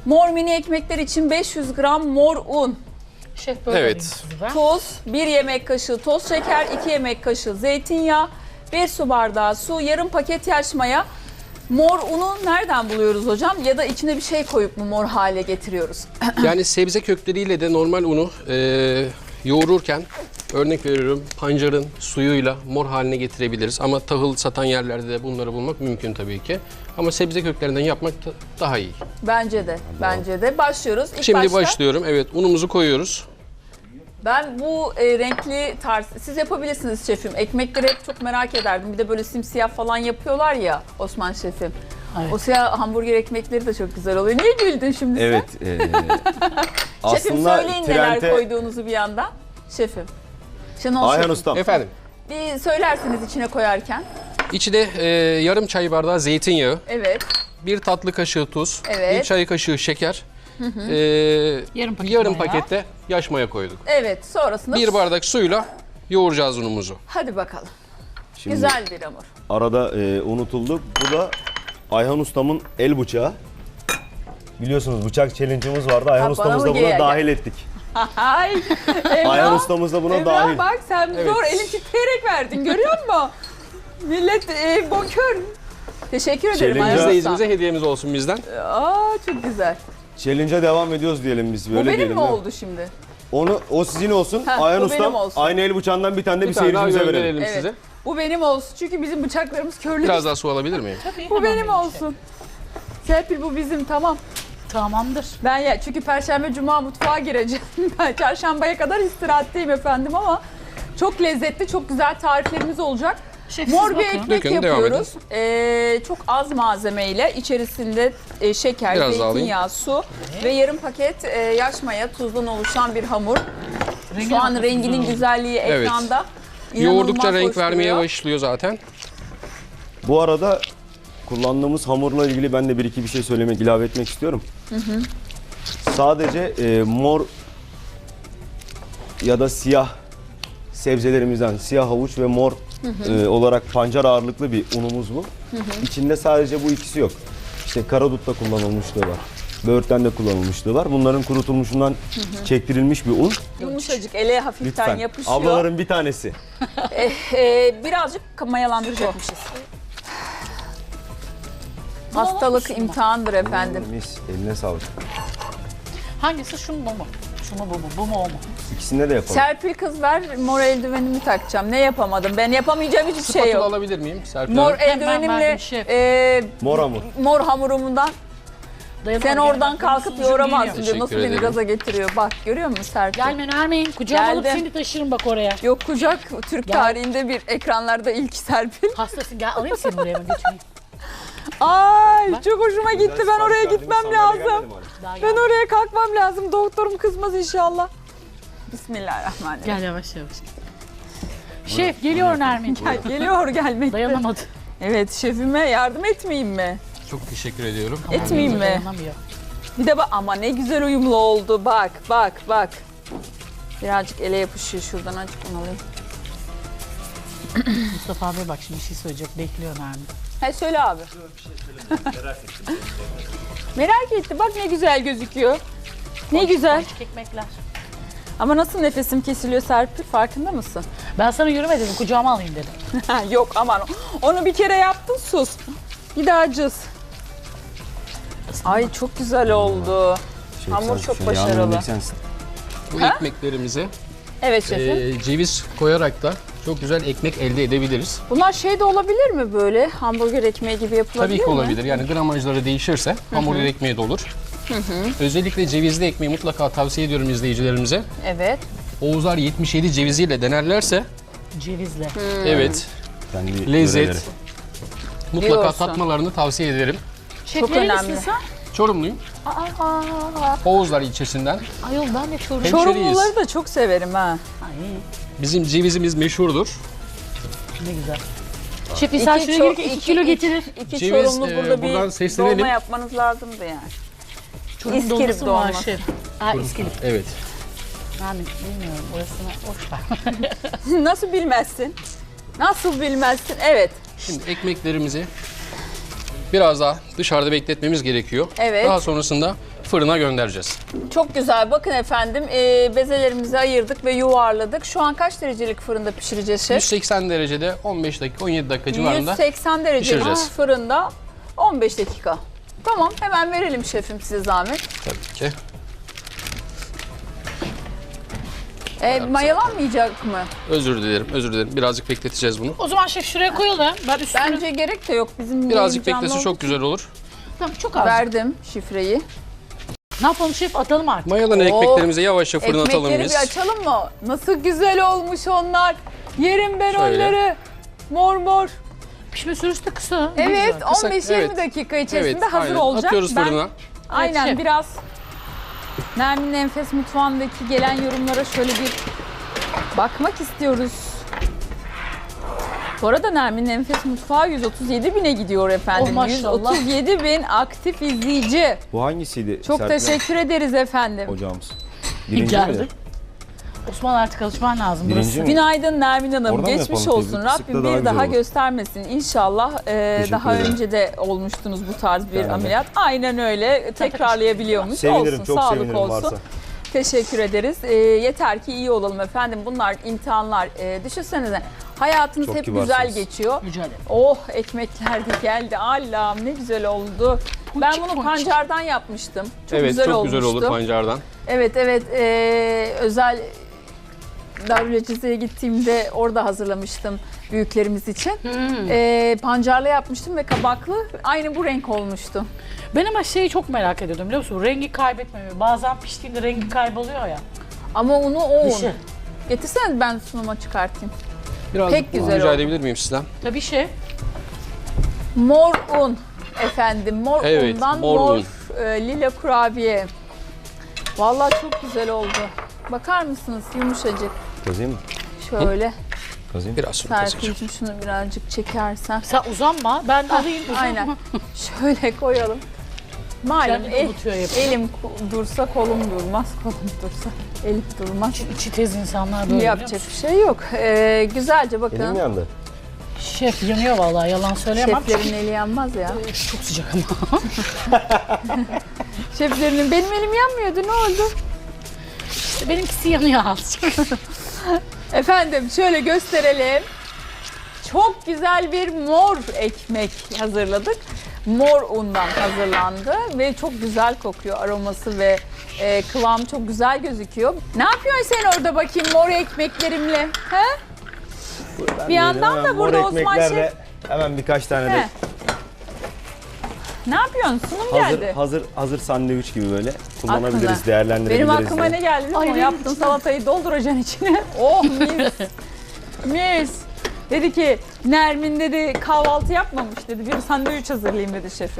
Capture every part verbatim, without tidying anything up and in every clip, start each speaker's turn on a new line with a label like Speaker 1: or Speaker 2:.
Speaker 1: Mor mini ekmekler için beş yüz gram mor un.
Speaker 2: Şef böyle
Speaker 3: Evet.
Speaker 1: Tuz, bir yemek kaşığı toz şeker, iki yemek kaşığı zeytinyağı, bir su bardağı su, yarım paket yaş maya. Mor unu nereden buluyoruz hocam? Ya da içine bir şey koyup mu mor hale getiriyoruz?
Speaker 3: Yani sebze kökleriyle de normal unu e, yoğururken örnek veriyorum pancarın suyuyla mor haline getirebiliriz. Ama tahıl satan yerlerde de bunları bulmak mümkün tabii ki. Ama sebze köklerinden yapmak da daha iyi.
Speaker 1: Bence de, bence de. Başlıyoruz. İlk
Speaker 3: Şimdi
Speaker 1: başta,
Speaker 3: başlıyorum. Evet, unumuzu koyuyoruz.
Speaker 1: Ben bu e, renkli tarz, siz yapabilirsiniz şefim. Ekmekleri hep çok merak ederdim. Bir de böyle simsiyah falan yapıyorlar ya Osman şefim.
Speaker 2: Evet.
Speaker 1: O siyah hamburger ekmekleri de çok güzel oluyor. Niye güldün şimdi
Speaker 4: Evet.
Speaker 1: sen?
Speaker 4: E,
Speaker 1: Şefim
Speaker 4: aslında
Speaker 1: söyleyin neler
Speaker 4: trende
Speaker 1: koyduğunuzu bir yandan. Şefim. Şenol
Speaker 4: Ayhan
Speaker 1: şefim.
Speaker 4: Ustam.
Speaker 3: Efendim,
Speaker 1: Bir söylersiniz içine koyarken.
Speaker 3: içine e, yarım çay bardağı zeytinyağı,
Speaker 1: Evet.
Speaker 3: bir tatlı kaşığı tuz,
Speaker 1: Evet.
Speaker 3: bir çay kaşığı şeker, e,
Speaker 2: Yarım paket
Speaker 3: yarım
Speaker 2: maya.
Speaker 3: pakette yaş maya koyduk.
Speaker 1: Evet. Sonrasında
Speaker 3: Bir bardak suyla yoğuracağız unumuzu.
Speaker 1: hadi bakalım.
Speaker 4: Şimdi
Speaker 1: Güzel bir hamur.
Speaker 4: arada e, unutuldu. Bu da Ayhan Ustam'ın el bıçağı. Biliyorsunuz bıçak challenge'ımız vardı. Ayhan
Speaker 1: Ha,
Speaker 4: Ustam'ız
Speaker 1: bana
Speaker 4: da
Speaker 1: mı
Speaker 4: buna
Speaker 1: gel-
Speaker 4: dahil ettik.
Speaker 1: Ay. Emrah.
Speaker 4: Ayhan Ustam'ız da buna
Speaker 1: Emrah
Speaker 4: dahil.
Speaker 1: bak sen
Speaker 3: Evet.
Speaker 1: zor elin titreyerek verdin görüyor musun? Millet e, bonkör. Teşekkür ederim
Speaker 4: Challenge-
Speaker 1: Ayhan Usta.
Speaker 3: İzleyicimize hediyemiz olsun bizden.
Speaker 1: Aa çok güzel.
Speaker 4: Challenge'a devam ediyoruz diyelim biz. Böyle
Speaker 1: Bu benim
Speaker 4: diyelim,
Speaker 1: mi
Speaker 4: değil mi?
Speaker 1: oldu şimdi?
Speaker 4: Onu, o sizin olsun.
Speaker 1: Ha,
Speaker 4: Ayhan
Speaker 1: bu
Speaker 4: Ustam
Speaker 1: benim olsun.
Speaker 4: aynı el bıçağından bir tane de bir,
Speaker 3: Bir tane daha
Speaker 4: seyircimize
Speaker 3: gönderelim
Speaker 4: verelim.
Speaker 1: Evet.
Speaker 3: size.
Speaker 1: Bu benim olsun çünkü bizim bıçaklarımız körlü.
Speaker 3: Biraz daha su alabilir miyim?
Speaker 2: Tabii,
Speaker 1: Bu
Speaker 2: hemen
Speaker 1: benim
Speaker 2: vereyim
Speaker 1: olsun. Serpil bu bizim tamam.
Speaker 2: şef. Tamamdır.
Speaker 1: Ben ya çünkü Perşembe Cuma mutfağa gireceğim. Ben çarşambaya kadar istirahatteyim efendim ama çok lezzetli, çok güzel tariflerimiz olacak.
Speaker 2: Şef,
Speaker 1: Mor
Speaker 2: siz
Speaker 1: bir
Speaker 2: bakın.
Speaker 1: ekmek
Speaker 3: Dökün, devam
Speaker 1: yapıyoruz. Ee, çok az malzemeyle içerisinde e, şeker,
Speaker 3: Biraz daha
Speaker 1: zeytinyağı, su ve yarım paket e, yaş maya tuzdan oluşan bir hamur.
Speaker 2: Rengi
Speaker 1: Şu an
Speaker 2: nasıl
Speaker 1: renginin
Speaker 2: güzel
Speaker 1: güzelliği
Speaker 3: Evet.
Speaker 1: ekranda.
Speaker 3: Yoğurdukça
Speaker 1: İnanılmaz
Speaker 3: renk
Speaker 1: hoş
Speaker 3: vermeye
Speaker 1: duruyor.
Speaker 3: başlıyor zaten.
Speaker 4: Bu arada kullandığımız hamurla ilgili ben de bir iki bir şey söylemek, ilave etmek istiyorum. Sadece e, mor ya da siyah sebzelerimizden siyah havuç ve mor e, olarak pancar ağırlıklı bir unumuz bu. İçinde sadece bu ikisi yok. İşte karadutta kullanılmışlığı var. Böğürtlen de kullanılmışlığı var. Bunların kurutulmuşundan çektirilmiş bir un.
Speaker 1: Yumuşacık, ele hafiften
Speaker 4: Lütfen.
Speaker 1: yapışıyor.
Speaker 4: Ablaların bir tanesi.
Speaker 1: Ee, birazcık mayalandıracakmışız. Hastalık
Speaker 2: olmuş mu?
Speaker 1: imtihandır efendim.
Speaker 4: Mis, eline sağlık.
Speaker 2: Hangisi şu mu bu mu? Şu mu bu mu? Bu mu o mu?
Speaker 4: İkisinde de yapalım.
Speaker 1: Serpil kız ver, mor eldivenimi takacağım. Ne yapamadım? Ben yapamayacağım hiçbir şey
Speaker 3: Spatula
Speaker 1: yok.
Speaker 3: alabilir miyim Serpil
Speaker 1: Mor
Speaker 3: Hanım?
Speaker 2: Hemen
Speaker 1: eldivenimle
Speaker 2: verdim şef.
Speaker 1: e,
Speaker 4: Mor hamur.
Speaker 1: mor hamurumundan
Speaker 2: Dayanamadım.
Speaker 1: sen oradan
Speaker 2: Benim
Speaker 1: kalkıp
Speaker 2: sunucum
Speaker 1: yoğuramazsın
Speaker 2: geliyor.
Speaker 1: diyor. Nasıl
Speaker 3: Teşekkür
Speaker 1: beni
Speaker 3: ederim.
Speaker 1: gaza getiriyor. Bak görüyor musun Serpil?
Speaker 2: Gelme Nermin. Kucağıma alıp
Speaker 1: Geldim.
Speaker 2: seni taşırım bak oraya.
Speaker 1: Yok kucak Türk
Speaker 2: Gel.
Speaker 1: tarihinde bir ekranlarda ilk Serpil.
Speaker 2: Hastasın gel alayım seni buraya mı götüreyim?
Speaker 1: Ay
Speaker 2: Bak.
Speaker 1: çok hoşuma gitti. Ben oraya gitmem lazım.
Speaker 2: Daha
Speaker 1: Ben
Speaker 2: gel.
Speaker 1: oraya kalkmam lazım. Doktorum kızmaz inşallah. Bismillahirrahmanirrahim.
Speaker 2: Gel yavaş yavaş. Şef geliyor Nermin.
Speaker 1: Gel, geliyor gelmekte.
Speaker 2: Dayanamadı.
Speaker 1: Evet şefime yardım etmeyeyim mi?
Speaker 3: Çok teşekkür ediyorum.
Speaker 1: Etmeyeyim mi?
Speaker 2: Dayanamıyor.
Speaker 1: Bir de bak ama ne güzel uyumlu oldu. Bak bak bak. Birazcık ele yapışıyor şuradan azıcık onu alayım.
Speaker 2: Mustafa abi bak şimdi bir şey söyleyecek. Bekliyor Nermin.
Speaker 1: He söyle abi. Merak etti. Bak ne güzel gözüküyor. Ne güzel.
Speaker 2: Açık ekmekler.
Speaker 1: Ama nasıl nefesim kesiliyor Serpil farkında mısın?
Speaker 2: Ben sana yürüme dedim. Kucağıma alayım dedim.
Speaker 1: Yok aman. Onu bir kere yaptın sus. Bir daha cız. Ay çok güzel oldu.
Speaker 4: Şey,
Speaker 1: Hamur
Speaker 4: sen-
Speaker 1: çok
Speaker 4: şey,
Speaker 1: başarılı.
Speaker 4: yağını yemek sensin.
Speaker 3: Bu ekmeklerimize
Speaker 1: Evet şefim.
Speaker 3: e, ceviz koyarak da çok güzel ekmek elde edebiliriz.
Speaker 1: Bunlar şey de olabilir mi böyle? Hamburger ekmeği gibi yapılabilir
Speaker 3: Tabii ki
Speaker 1: mi?
Speaker 3: olabilir. Yani gramajları değişirse hamburger ekmeği de olur. Özellikle cevizli ekmeği mutlaka tavsiye ediyorum izleyicilerimize.
Speaker 1: Evet.
Speaker 3: Oğuzlar yetmiş yedi ceviziyle denerlerse
Speaker 2: Cevizle.
Speaker 3: evet
Speaker 4: Kendi
Speaker 3: lezzet
Speaker 4: yöreleri.
Speaker 3: mutlaka
Speaker 1: Diyorsun.
Speaker 3: tatmalarını tavsiye ederim.
Speaker 2: Şef
Speaker 1: Çok
Speaker 2: nerelisin
Speaker 1: önemli.
Speaker 2: sen?
Speaker 3: Çorumluyum.
Speaker 2: Aa,
Speaker 3: Oğuzlar ilçesinden.
Speaker 2: ayol ben de Çorum.
Speaker 3: Hem-
Speaker 1: Çorumluları da çok severim ha.
Speaker 2: Ay
Speaker 3: Bizim cevizimiz meşhurdur.
Speaker 2: ne güzel. Şef İsa şuraya
Speaker 1: ço-
Speaker 2: gelirken iki kilo getirir.
Speaker 1: İki
Speaker 3: Ceviz,
Speaker 1: Çorumlu
Speaker 3: e,
Speaker 1: burada
Speaker 3: buradan
Speaker 1: bir
Speaker 3: seslenelim.
Speaker 1: dolma yapmanız lazımdı yani.
Speaker 2: Çorum
Speaker 1: İskilip
Speaker 2: dolması mı var
Speaker 1: dolması.
Speaker 2: şef? Aa İskilip.
Speaker 3: Evet.
Speaker 2: Nermin bilmiyorum orasını boş ver.
Speaker 1: Nasıl bilmezsin? Nasıl bilmezsin? Evet.
Speaker 3: Şimdi ekmeklerimizi biraz daha dışarıda bekletmemiz gerekiyor.
Speaker 1: Evet.
Speaker 3: Daha sonrasında fırına göndereceğiz.
Speaker 1: Çok güzel. Bakın efendim e, bezelerimizi ayırdık ve yuvarladık. Şu an kaç derecelik fırında pişireceğiz şef?
Speaker 3: yüz seksen derecede on beş dakika on yedi dakika civarında.
Speaker 1: yüz seksen derecelik
Speaker 3: pişireceğiz.
Speaker 1: fırında on beş dakika. Tamam, hemen verelim şefim size zahmet.
Speaker 3: Tabii ki.
Speaker 1: E, mayalanmayacak mı?
Speaker 3: Özür dilerim, özür dilerim. Birazcık bekleteceğiz bunu.
Speaker 2: O zaman şef şuraya koyalım. Ben üstüne...
Speaker 1: Bence gerek de yok. Bizim
Speaker 3: Birazcık
Speaker 1: yayın canlı
Speaker 3: beklese çok
Speaker 1: olduğu
Speaker 3: güzel olur.
Speaker 2: Tamam, çok
Speaker 1: için
Speaker 2: az.
Speaker 1: verdim şifreyi.
Speaker 2: Ne yapalım şef? Atalım artık.
Speaker 3: Mayalanan
Speaker 1: Oo,
Speaker 3: ekmeklerimizi yavaşça fırına atalım
Speaker 1: Ekmekleri
Speaker 3: biz.
Speaker 1: bir açalım mı? Nasıl güzel olmuş onlar. Yerim ben
Speaker 3: Şöyle.
Speaker 1: onları. Mor mor.
Speaker 2: Pişme süresi de kısa.
Speaker 1: Evet,
Speaker 3: Kısa,
Speaker 1: on beş yirmi
Speaker 3: evet.
Speaker 1: dakika içerisinde
Speaker 3: Evet,
Speaker 1: hazır
Speaker 3: aynen.
Speaker 1: olacak.
Speaker 3: Atıyoruz
Speaker 1: Ben-
Speaker 3: fırına.
Speaker 1: Aynen
Speaker 2: şef.
Speaker 1: biraz Nermin'in Enfes Mutfağı'ndaki gelen yorumlara şöyle bir bakmak istiyoruz. Bu arada Nermin'in Enfes Mutfağı yüz otuz yedi bine gidiyor efendim.
Speaker 2: Oh, maşallah.
Speaker 1: yüz otuz yedi bin aktif izleyici.
Speaker 4: Bu hangisiydi?
Speaker 1: Çok
Speaker 4: Serpil
Speaker 1: teşekkür ederiz efendim.
Speaker 4: Hocamız. Birinci
Speaker 2: Geldi.
Speaker 4: miydi?
Speaker 2: Osman artık alışman lazım.
Speaker 4: Birinci
Speaker 2: Burası.
Speaker 4: mi?
Speaker 1: Günaydın Nermin Hanım.
Speaker 4: Oradan mı
Speaker 1: Geçmiş
Speaker 4: yapalım
Speaker 1: olsun.
Speaker 4: teyze?
Speaker 1: Rabbim
Speaker 4: Sıkla daha
Speaker 1: bir
Speaker 4: güzel
Speaker 1: daha
Speaker 4: olur.
Speaker 1: göstermesin. İnşallah e,
Speaker 4: Teşekkür
Speaker 1: daha
Speaker 4: ederim.
Speaker 1: önce de olmuştunuz bu tarz bir
Speaker 4: Yani.
Speaker 1: ameliyat. Aynen öyle. Tekrarlayabiliyormuş.
Speaker 4: Sevinirim,
Speaker 1: Olsun.
Speaker 4: çok
Speaker 1: Sağlık
Speaker 4: sevinirim
Speaker 1: olsun.
Speaker 4: varsa.
Speaker 1: Teşekkür ederiz. E, yeter ki iyi olalım efendim. Bunlar imtihanlar. E, düşünsenize hayatınız
Speaker 4: Çok
Speaker 1: hep
Speaker 4: kibarsınız.
Speaker 1: güzel geçiyor.
Speaker 2: Rica ederim.
Speaker 1: Oh ekmekler de geldi. Allah'ım ne güzel oldu. Ben
Speaker 2: Ponçik
Speaker 1: bunu
Speaker 2: ponçik.
Speaker 1: pancardan yapmıştım. Çok
Speaker 3: Evet,
Speaker 1: güzel
Speaker 3: çok
Speaker 1: olmuştu.
Speaker 3: güzel olur pancardan.
Speaker 1: Evet evet Ee, özel Darülacizeye gittiğimde orada hazırlamıştım büyüklerimiz için.
Speaker 2: Hmm.
Speaker 1: Ee, pancarlı yapmıştım ve kabaklı aynı bu renk olmuştu.
Speaker 2: Ben ama şeyi çok merak ediyordum biliyor musun? Rengi kaybetmemiyor. Bazen piştiğinde rengi kayboluyor ya.
Speaker 1: Ama unu o un.
Speaker 2: Dışı.
Speaker 1: Getirseniz ben sunuma çıkartayım.
Speaker 3: Biraz
Speaker 1: Pek güzel
Speaker 3: rica
Speaker 1: oldu.
Speaker 3: edebilir miyim sizden?
Speaker 2: Tabii şef.
Speaker 1: Mor un efendim. Mor
Speaker 3: Evet,
Speaker 1: undan
Speaker 3: mor
Speaker 1: mor,
Speaker 3: un.
Speaker 1: e, lila kurabiye. Vallahi çok güzel oldu. Bakar mısınız yumuşacık.
Speaker 4: Kazıyım mı?
Speaker 1: Şöyle.
Speaker 4: Kazıyım.
Speaker 3: Biraz sonra kazacağım.
Speaker 1: Serpil'cim şunu birazcık çekersen.
Speaker 2: Sen uzanma. Ben de alayım. Uzanma.
Speaker 1: Aynen. Şöyle koyalım. Malum
Speaker 2: Kendini
Speaker 1: el,
Speaker 2: unutuyor yapıyor.
Speaker 1: elim ku- dursa kolum durmaz, kolum dursa elim durmaz.
Speaker 2: İçi tez insanlar böyle
Speaker 1: Yapacak
Speaker 2: biliyor
Speaker 1: bir şey yok. Ee, güzelce
Speaker 4: Elim
Speaker 1: bakın.
Speaker 4: yandı.
Speaker 2: musun? Şef yanıyor vallahi yalan söyleyemem.
Speaker 1: Şeflerin eli yanmaz ya.
Speaker 2: Çok sıcak ama.
Speaker 1: Şeflerinin benim elim yanmıyordu ne oldu?
Speaker 2: İşte benimkisi yanıyor azıcık.
Speaker 1: Efendim şöyle gösterelim. Çok güzel bir mor ekmek hazırladık. Mor undan hazırlandı ve çok güzel kokuyor aroması ve e, kıvamı çok güzel gözüküyor. Ne yapıyorsun sen orada bakayım mor ekmeklerimle? He? Bir yandan da burada Osman Şef
Speaker 4: Hemen birkaç tane
Speaker 1: He.
Speaker 4: de
Speaker 1: ne yapıyorsun? Sunum
Speaker 4: hazır,
Speaker 1: geldi.
Speaker 4: hazır hazır sandviç gibi böyle kullanabiliriz,
Speaker 1: Aklına.
Speaker 4: değerlendirebiliriz.
Speaker 1: Benim aklıma
Speaker 4: diye.
Speaker 1: ne geldi biliyor
Speaker 2: Ay,
Speaker 1: musun?
Speaker 2: benim
Speaker 1: Yaptığın
Speaker 2: için.
Speaker 1: salatayı dolduracaksın içine. Oh mis. Mis. Dedi ki Nermin dedi kahvaltı yapmamış dedi. Bir sandviç hazırlayayım dedi şefim.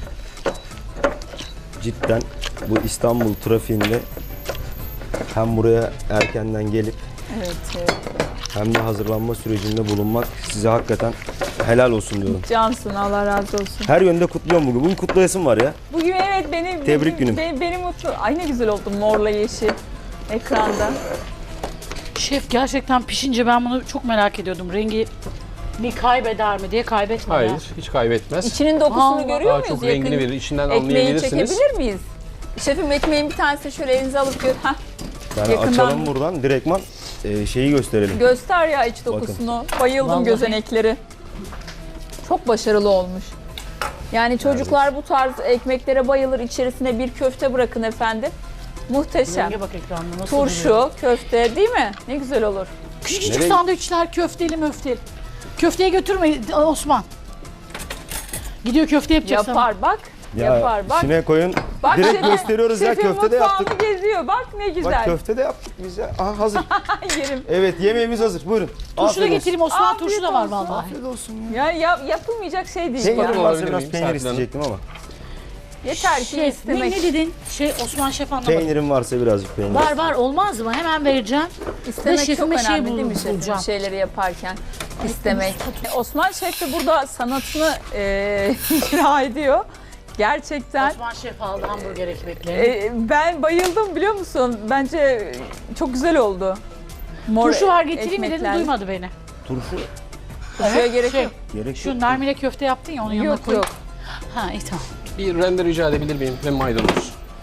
Speaker 4: Cidden bu İstanbul trafiğinde hem buraya erkenden gelip
Speaker 1: Evet, evet.
Speaker 4: hem de hazırlanma sürecinde bulunmak size hakikaten helal olsun diyorum.
Speaker 1: Cansın Allah razı olsun.
Speaker 4: Her yönde kutluyorum bugün. Bugün kutlayasım var ya.
Speaker 1: Bugün evet beni
Speaker 4: Tebrik
Speaker 1: beni,
Speaker 4: günüm.
Speaker 1: Beni, beni mutlu. Ay ne güzel oldu morla yeşil ekranda.
Speaker 2: Şef gerçekten pişince ben bunu çok merak ediyordum. Rengi ni kaybeder mi diye kaybetmedi.
Speaker 3: Hayır,
Speaker 2: ha.
Speaker 3: hiç kaybetmez.
Speaker 1: İçinin dokusunu
Speaker 2: Vallahi.
Speaker 1: görüyor
Speaker 3: Daha
Speaker 1: muyuz?
Speaker 3: çok rengini verir. İçinden
Speaker 1: Ekmeği
Speaker 3: anlayabilirsiniz.
Speaker 1: çekebilir miyiz? Şefim ekmeğin bir tanesi şöyle elinize alıp gör. Heh,
Speaker 4: Yani
Speaker 1: Yakından-
Speaker 4: açalım buradan direktman e, şeyi gösterelim.
Speaker 1: göster ya iç dokusunu. Bayıldım
Speaker 2: Vallahi.
Speaker 1: gözenekleri. Çok başarılı olmuş. Yani çocuklar bu tarz ekmeklere bayılır. İçerisine bir köfte bırakın efendim. Muhteşem.
Speaker 2: Renge bak ekranda nasıl duruyor.
Speaker 1: Turşu, köfte değil mi? Ne güzel olur.
Speaker 2: Küçük küçük
Speaker 4: Nereye-
Speaker 2: sandviçler köfteli möfteli. Köfteye götürme Osman. Gidiyor köfte yapacak sana.
Speaker 1: Yapar bak. yapar bak.
Speaker 4: içine koyun.
Speaker 1: Bak
Speaker 4: Direkt
Speaker 1: şefim-
Speaker 4: gösteriyoruz ya,
Speaker 1: şefim
Speaker 4: köfte de
Speaker 1: mutfağını
Speaker 4: yaptık.
Speaker 1: geziyor. Bak ne
Speaker 4: Bak
Speaker 1: güzel.
Speaker 4: köfte de yaptık biz ya. Aha hazır.
Speaker 1: Yerim.
Speaker 4: Evet yemeğimiz hazır. Buyurun.
Speaker 2: Turşu da
Speaker 4: Afiyet olsun.
Speaker 2: getireyim Osman,
Speaker 1: Afiyet
Speaker 2: turşu da var
Speaker 1: olsun.
Speaker 2: vallahi.
Speaker 4: Afiyet olsun ya.
Speaker 1: Ya, ya yapılmayacak şey değil.
Speaker 4: Peynir
Speaker 1: yani.
Speaker 3: Olabilir
Speaker 4: varsa biraz
Speaker 3: miyim
Speaker 4: peynir
Speaker 3: Serpil Hanım?
Speaker 4: isteyecektim ama.
Speaker 1: Yeter ki
Speaker 2: Şef, ne,
Speaker 1: istemek.
Speaker 2: ne dedin? Şey Osman Şef anlamadı.
Speaker 4: Peynirim varsa birazcık peynir.
Speaker 2: Var var olmaz mı? Hemen vereceğim.
Speaker 1: İstemek çok
Speaker 2: şefime şey
Speaker 1: önemli değil mi
Speaker 2: bul-
Speaker 1: şefim?
Speaker 2: bulacağım.
Speaker 1: Şeyleri yaparken istemek. Osman Şef de burada sanatını e, icra ediyor. Gerçekten.
Speaker 2: Osman Şef aldı hamburger ekmeklerini.
Speaker 1: e, ben bayıldım biliyor musun? Bence çok güzel oldu. Mor
Speaker 2: Turşu var getireyim mi dedim,
Speaker 1: ekmekler.
Speaker 2: duymadı beni.
Speaker 4: Turşu
Speaker 1: Turşuya gerek
Speaker 2: şey,
Speaker 1: yok.
Speaker 4: gerek yok.
Speaker 2: Şu narmine köfte yaptın ya onun yanına
Speaker 1: Yok
Speaker 2: koy.
Speaker 1: yok.
Speaker 2: Ha iyi tamam.
Speaker 3: Bir rende rica edebilir miyim ve maydanoz?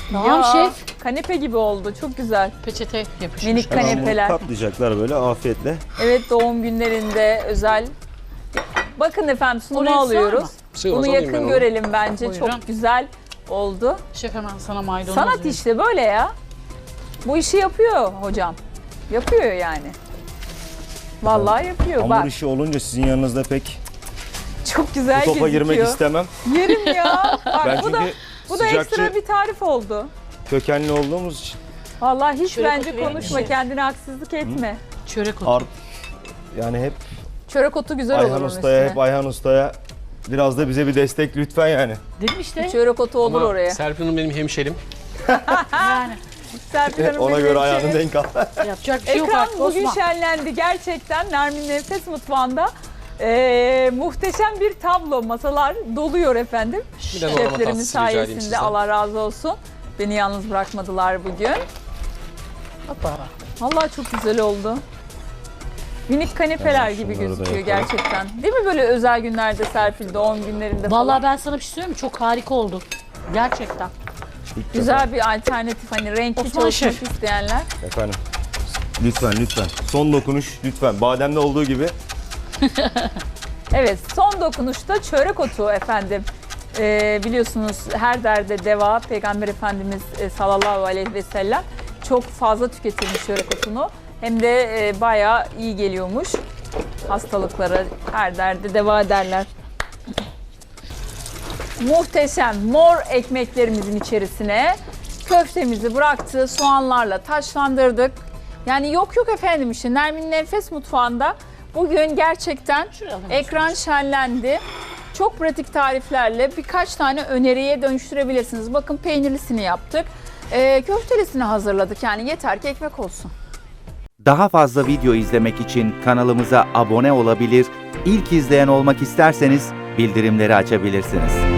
Speaker 2: Tamam şef.
Speaker 1: Kanepe gibi oldu. Çok güzel.
Speaker 2: Peçete yapışmış.
Speaker 1: Minik
Speaker 4: Hemen bunu
Speaker 1: kanepeler.
Speaker 4: katlayacaklar böyle afiyetle.
Speaker 1: Evet, doğum günlerinde özel. Bakın efendim, sunumu
Speaker 2: Oraya sığar
Speaker 1: alıyoruz.
Speaker 2: mı?
Speaker 3: Sığmaz,
Speaker 1: Bunu
Speaker 3: alayım ben
Speaker 1: yakın
Speaker 3: onu.
Speaker 1: görelim bence.
Speaker 2: Buyurun.
Speaker 1: Çok güzel oldu.
Speaker 2: Şef hemen sana maydanoz
Speaker 1: Sanat
Speaker 2: vereyim.
Speaker 1: işte böyle ya. Bu işi yapıyor hocam. Yapıyor yani. Vallahi yapıyor.
Speaker 4: Hamur
Speaker 1: Bak,
Speaker 4: işi olunca sizin yanınızda pek
Speaker 1: çok güzel
Speaker 4: bu topa
Speaker 1: gözüküyor.
Speaker 4: girmek istemem.
Speaker 1: Yerim ya. Bak,
Speaker 4: Ben
Speaker 1: bu da
Speaker 4: çünkü
Speaker 1: bu da
Speaker 4: sıcakçı
Speaker 1: ekstra bir tarif oldu.
Speaker 4: kökenli olduğumuz için
Speaker 1: Vallahi hiç
Speaker 2: Çörek
Speaker 1: bence
Speaker 2: otu verir
Speaker 1: konuşma,
Speaker 2: misin?
Speaker 1: kendine haksızlık etme.
Speaker 2: Çörek otu.
Speaker 4: art yani hep
Speaker 1: Çörek otu güzel olur
Speaker 4: Ayhan
Speaker 1: onun
Speaker 4: Usta'ya,
Speaker 1: üstüne.
Speaker 4: hep Ayhan Usta'ya biraz da bize bir destek lütfen yani.
Speaker 2: Dedim işte.
Speaker 1: Çörek otu olur
Speaker 3: Ama
Speaker 1: oraya.
Speaker 3: Serpil Hanım benim hemşerim.
Speaker 2: Yani
Speaker 1: Serpil Hanım
Speaker 4: Ona
Speaker 1: benim
Speaker 4: göre
Speaker 1: hemşerim.
Speaker 4: ayağını denk al.
Speaker 2: yapacak bir şey yok
Speaker 1: Ekran
Speaker 2: artık
Speaker 1: bugün
Speaker 2: Osman.
Speaker 1: şenlendi gerçekten. Nermin Nefes Mutfağı'nda Ee, muhteşem bir tablo. Masalar doluyor efendim.
Speaker 3: Bir de normal
Speaker 1: Şeflerimiz
Speaker 3: tatlısı rica edeyim
Speaker 1: sayesinde
Speaker 3: sizden.
Speaker 1: Allah razı olsun. Beni yalnız bırakmadılar bugün.
Speaker 2: Hoppa.
Speaker 1: Vallahi çok güzel oldu. Minik kanepeler
Speaker 4: Hemen
Speaker 1: gibi
Speaker 4: şunları da
Speaker 1: gözüküyor
Speaker 4: yapalım.
Speaker 1: gerçekten. Değil mi böyle özel günlerde Serpil, doğum günlerinde falan?
Speaker 2: Vallahi ben sana bir şey söyleyeyim mi? Çok harika oldu. Gerçekten.
Speaker 4: İlk
Speaker 1: Güzel bir alternatif, hani renkli
Speaker 2: Osman
Speaker 1: çalışmak
Speaker 2: Şef.
Speaker 1: isteyenler.
Speaker 4: defa. Efendim. Lütfen lütfen. Son dokunuş lütfen. Bademde olduğu gibi
Speaker 1: Evet, son dokunuşta çörek otu efendim. Ee, biliyorsunuz her derde deva. Peygamber Efendimiz e, sallallahu aleyhi ve sellem çok fazla tüketilmiş çörek otunu. Hem de e, bayağı iyi geliyormuş. Hastalıklara, her derde deva derler. Muhteşem mor ekmeklerimizin içerisine köftemizi bıraktı. Soğanlarla taşlandırdık. Yani yok yok efendim, işte Nermin Nefes Mutfağı'nda bugün gerçekten
Speaker 2: Şuraya alalım.
Speaker 1: ekran şenlendi. Çok pratik tariflerle birkaç tane öneriye dönüştürebilirsiniz. Bakın peynirlisini yaptık. Ee, köftelisini hazırladık. Yani yeter ki ekmek olsun.
Speaker 5: Daha fazla video izlemek için kanalımıza abone olabilir, ilk izleyen olmak isterseniz bildirimleri açabilirsiniz.